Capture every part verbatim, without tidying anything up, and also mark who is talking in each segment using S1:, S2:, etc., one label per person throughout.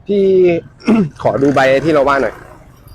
S1: พี่ ขอดูใบที่เราว่าหน่อย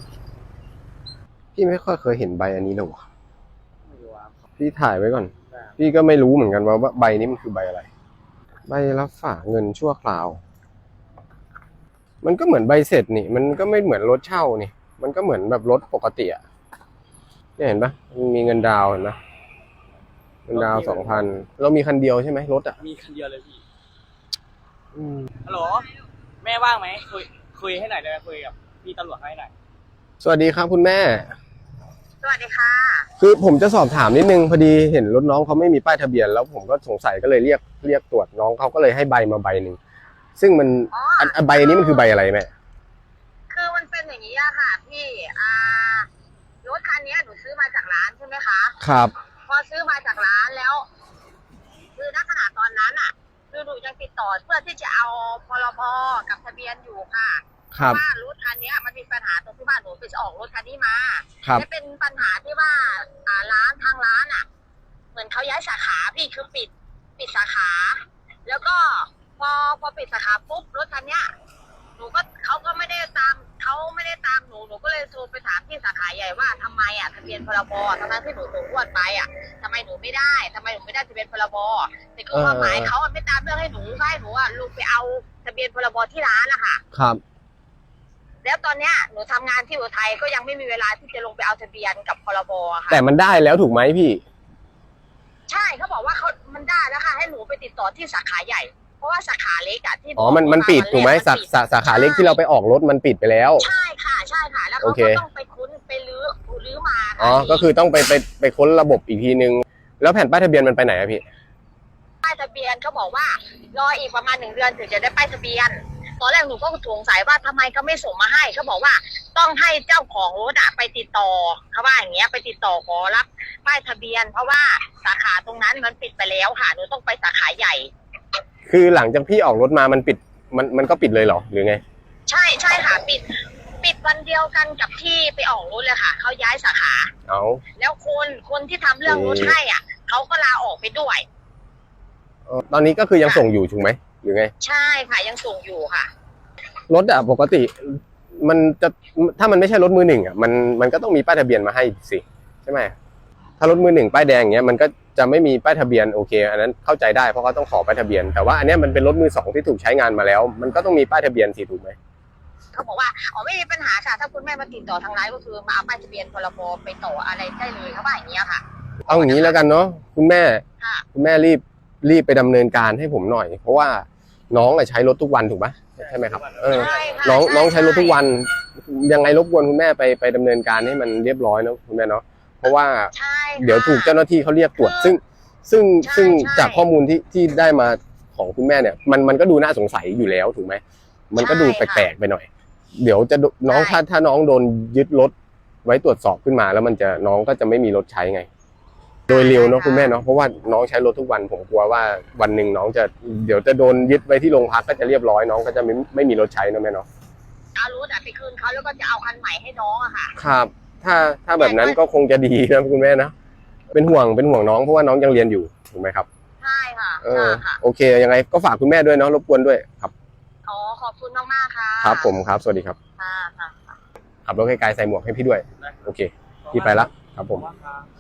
S1: พี่ไม่ค่อยเคยเห็นใบอันนี้เลยวะพี่ถ่ายไว้ก่อนพี่ก็ไม่รู้เหมือนกันว่าใบนี้มันคือใบอะไรใบรับฝากเงินชั่วคราวมันก็เหมือนใบเสร็จนี่มันก็ไม่เหมือนรถเช่านี่มันก็เหมือนแบบรถปกติอ่ะเนี่ยเห็นปะมันมีเงินดาวเห็นปะเงินดาวสองพันเรามีคันเดียวใช่ไหมรถอ่ะ
S2: มีคันเดียวเลยพี่
S1: อืม
S2: ฮัลโหลแม่ว่างไหมคุยคุยให้หน่อยได้ไหมคุยกับพี่ตำรวจให้หน่อย
S1: สวัสดีครับคุณแม่
S3: สวัสดีค่ะ
S1: คือผมจะสอบถามนิดนึงพอดีเห็นรถน้องเขาไม่มีป้ายทะเบียนแล้วผมก็สงสัยก็เลยเรียกเรียกตรวจน้องเขาก็เลยให้ใบมาใบหนึ่งซึ่งมันอันใบนี้มันคือใบอะไรแม่
S3: คือมันเป็นอย่างนี้อะค่ะพี่อ่ารถคันนี้หนูซื้อมาจากร้านใช่ไหมคะ
S1: ครับ
S3: พอซื้อมาจากร้านแล้วคือณขณะตอนนั้นอะคือหนูยังติดต่อเพื่อที่จะเอาพรบกับทะเบียนอยู่ค่ะ
S1: ครับ
S3: ว่ารถคันนี้มันมีปัญหาตรงที่ว่าหนูไปออกรถคันนี้มา
S1: ครับ
S3: และเป็นปัญหาที่ว่าอ่าร้านทางร้านอะเหมือนเขาย้ายสาขาพี่คือปิดปิดสาขา แล้วก็พอพอปิดสาขาปุ๊บรถคันนี้หนูก็เขาก็ไม่ได้ตามเขาไม่ได้ตามหนูหนูก็เลยโทรไปถามที่สาขาใหญ่ว่าทำไมอ่ะทะเบียนพรบทำไมที่หนูส่งงวดไปอ่ะทำไมหนูไม่ได้ทำไมหนูไม่ได้ทะเบียนพรบแต่คือความหมายเขาไม่ตามเรื่องให้หนูให้หนูอ่ะลงไปเอาทะเบียนพรบที่ร้านนะคะ
S1: ครับ
S3: แล้วตอนเนี้ยหนูทำงานที่อุทัยก็ยังไม่มีเวลาที่จะลงไปเอาทะเบียนกับพรบค่ะ
S1: แต่มันได้แล้วถูกไหมพี่
S3: ใช่เขาบอกว่าเขามันได้แล้วค่ะให้หนูไปติดต่อที่สาขาใหญ่เพราะว่าสาขาเล็กอะที่
S1: อ๋อมันมันปิดถูกไหมสาสาสาขาเล็กที่เราไปออกรถมันปิดไปแล้ว
S3: ใช่ค่ะใช่ค่ะแล้วเขาก็ต้องไปค้นไปรื้อรื้อมา
S1: อ๋อก็คือต้องไปไปไปค้นระบบอีกทีนึงแล้วแผ่นป้ายทะเบียนมันไปไหนอะพี่
S3: ป้ายทะเบียนเขาบอกว่ารออีกประมาณหนึ่งเดือนถึงจะได้ป้ายทะเบียนตอนแรกหนูก็สงสัยว่าทำไมเขาไม่ส่งมาให้เขาบอกว่าต้องให้เจ้าของรถอะไปติดต่อเขาว่าอย่างเงี้ยไปติดต่อขอรับป้ายทะเบียนเพราะว่าสาขาตรงนั้นมันปิดไปแล้วค่ะหนูต้องไปสาขาใหญ่
S1: คือหลังจากพี่ออกรถมามันปิดมันมันก็ปิดเลยเหรอหรือไง
S3: ใช่ใช่ค่ะปิดปิดวันเดียวกันกับที่ไปออกรถเลยค่ะเขาย้ายสาขา
S1: เอา
S3: แล้วคนคนที่ทำเรื่องรถให้อ่ะเขาก็ลาออกไปด้วย
S1: ตอนนี้ก็คือยังส่งอยู่ถูกไหมหรือไง
S3: ใช่ค่ะยังส่งอยู่ค่ะ
S1: รถอะปกติมันจะถ้ามันไม่ใช่รถมือหนึ่งอะมันมันก็ต้องมีป้ายทะเบียนมาให้สิใช่ไหมถ้ารถมือหนึ่งป้ายแดงอย่างเงี้ยมันก็จะไม่มีป้ายทะเบียนโอเคอันนั้นเข้าใจได้เพราะเขาต้องขอป้ายทะเบียนแต่ว่าอันนี้มันเป็นรถมือสองที่ถูกใช้งานมาแล้วมันก็ต้องมีป้ายทะเบียนสิถูกไหม
S3: เขาบอกว่าอ๋อไม่มีปัญหาค่ะถ้าคุณแม่มาติดต่อทางร้านก็คือมาเอาป้ายทะเบียนพรบไปต่ออะไรได้เลยเขาบอกอย่างเงี้ยค่ะ
S1: เอาอย่างนี้แล้วกันเนาะคุณแม่คุณแม่รีบรีบไปดำเนินการให้ผมหน่อยเพราะว่าน้องอะใช้รถทุกวันถูกไหมใช่ไหมครับเออน้องน้องใช้รถทุกวันยังไงรบกวนคุณแม่ไปไปดำเนินการให้มันเรียบร้อยนะคุณแม่เนาะเพราะว่าเดี๋ยวถูกเจ้าหน้าที่เขาเรียกตรวจซึ่งซึ่งซึ่งจากข้อมูลที่ที่ได้มาของคุณแม่เนี่ยมันมันก็ดูน่าสงสัยอยู่แล้วถูกไหมมันก็ดูแปลกๆไปหน่อยเดี๋ยวจะน้องถ้าถ้าน้องโดนยึดรถไว้ตรวจสอบขึ้นมาแล้วมันจะน้องก็จะไม่มีรถใช้ไงโดยเร็วเนาะคุณแม่เนาะเพราะว่าน้องใช้รถทุกวันผมกลัวว่าวันหนึ่งน้องจะเดี๋ยวจะโดนยึดไว้ที่โรงพักก็จะเรียบร้อยน้องก็จะไม่ไม่มีรถใช้นะแม่เนาะ
S3: เอารถไปคืนเขาแล้วก็จะเอาคันใหม่ให้น้องอะค่ะ
S1: ครับถ้าถ้าแบบนั้นก็คงจะดีนะคุณแม่นะเป็นห่วงเป็นห่วงน้องเพราะว่าน้องยังเรียนอยู่ถูกไหมครับ
S3: ใช่ค่ะ
S1: เออโอเคยังไงก็ฝากคุณแม่ด้วยเนาะรบกวนด้วยครับ
S3: อ๋อขอบคุณมากๆค่ะ
S1: ครับผมครับสวัสดีครับ
S3: ค่ะค่ะ
S1: ขับรถไกลๆใส่หมวกให้พี่ด้วยโอเคพี่ไปละครับผม